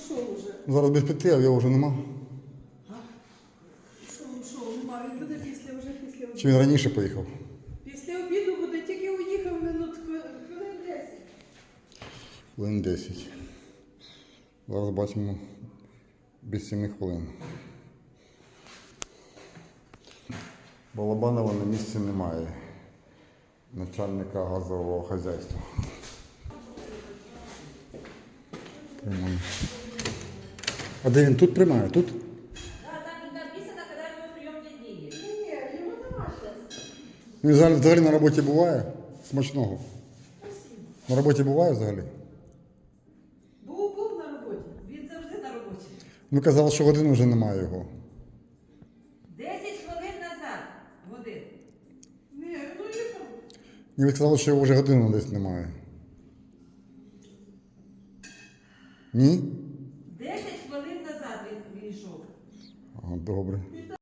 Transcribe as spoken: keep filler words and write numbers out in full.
ушов уже. Зараз без п'яти, а його вже нема. Що ушов? Нема. Він буде після вже після обіду. Чи він раніше поїхав? Після обіду буде, тільки уїхав минут хвилин десять. Хвилин десять. Зараз бачимо без семи хвилин. Балабанова на місці немає. Начальника газового хазяйства. Приймає. А де він тут приймає? Тут? Да, там не написано, когда у него приемные дни. Ні, ні, його нема зараз. Він взагалі, взагалі на роботі буває? Смачного. На роботі буває взагалі? Був, був на роботі. Він завжди на роботі. Ну казали, що годину вже немає його. десять хвилин назад. Годин. Ні, ну їхав. І ви сказали, що його вже годину десь немає. Ні? десять хвилин назад він вийшов. Ага, добре.